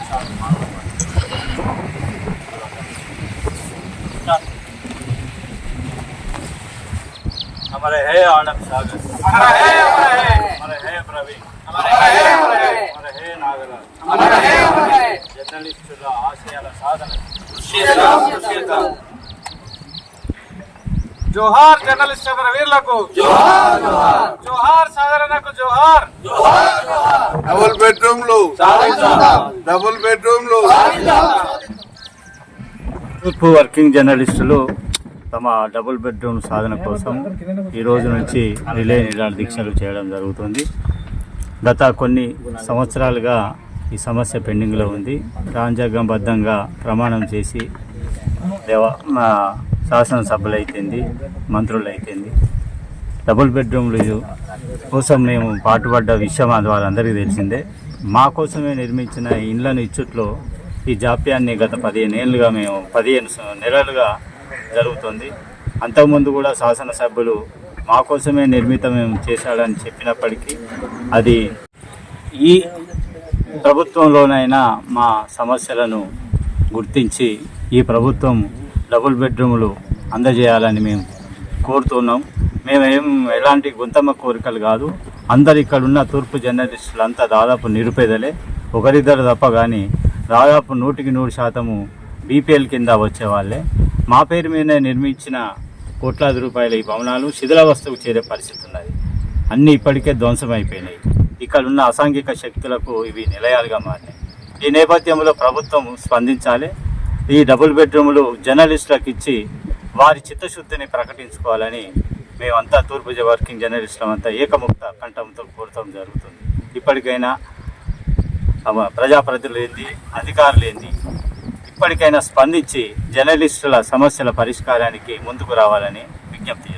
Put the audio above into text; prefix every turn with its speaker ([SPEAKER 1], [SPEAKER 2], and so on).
[SPEAKER 1] हमारे है आनंद सागर, हमारे है प्रवीण, हमारे है नागराज, జర్నలిస్టుల ఆశయాల సాధన జోహార్ జర్నలిస్ట్ వీరులకు జోహార్ జోహార్ జోహార్ సాధారణకు జోహార్ జోహార్ జోహార్
[SPEAKER 2] డబుల్ బెడ్రూమ్లు
[SPEAKER 1] తూర్పు వర్కింగ్ జర్నలిస్టులు తమ డబుల్ బెడ్రూమ్ సాధన కోసం ఈ రోజు నుంచి రిలే నిరాహార దీక్షలు చేయడం జరుగుతుంది. గత కొన్ని సంవత్సరాలుగా ఈ సమస్య పెండింగ్లో ఉంది. రాజ్యాంగబద్ధంగా ప్రమాణం చేసి శాసనసభలు అయితేంది, మంత్రులు అయితేంది, డబుల్ బెడ్రూమ్లు కోసం మేము పాటుపడ్డ విషయం అది వాళ్ళందరికీ తెలిసిందే. మా కోసమే నిర్మించిన ఇండ్లను ఇచ్చుట్లో ఈ జాప్యాన్ని గత 15 ఏళ్ళుగా మేము 15 నెలలుగా జరుగుతుంది. అంతకుముందు కూడా శాసనసభ్యులు మా కోసమే నిర్మితం చేశాడని చెప్పినప్పటికీ అది ఈ ప్రభుత్వంలోనైనా మా సమస్యలను గుర్తించి ఈ ప్రభుత్వం డబుల్ బెడ్రూములు అందజేయాలని మేము కోరుతున్నాం. మేమేం ఎలాంటి గుంతమ్మ కోరికలు కాదు. అందరు ఇక్కడ ఉన్న తూర్పు జర్నలిస్టులంతా దాదాపు నిరుపేదలే, ఒకరిద్దరు తప్ప కానీ దాదాపు 100% బీపీఎల్ కింద వచ్చేవాళ్ళే. మా పేరు మీద నిర్మించిన కోట్లాది రూపాయల ఈ భవనాలు శిథిలావస్థకు చేరే పరిస్థితి ఉన్నది. అన్నీ ఇప్పటికే ధ్వంసమైపోయినాయి. ఇక్కడ ఉన్న అసాంఘిక శక్తులకు ఇవి నిలయాలుగా మారినాయి. ఈ నేపథ్యంలో ప్రభుత్వం స్పందించాలి. ఈ డబుల్ బెడ్రూములు జర్నలిస్టులకు ఇచ్చి వారి చిత్తశుద్ధిని ప్రకటించుకోవాలని మేమంతా తూర్పు వర్కింగ్ జర్నలిస్టులమంతా ఏకముక్త కంఠంతో కోరటం జరుగుతుంది. ఇప్పటికైనా ప్రజాప్రతినిధులు ఏంది, అధికారులు ఏంది, ఇప్పటికైనా స్పందించి జర్నలిస్టుల సమస్యల పరిష్కారానికి ముందుకు రావాలని విజ్ఞప్తి చేస్తున్నాం.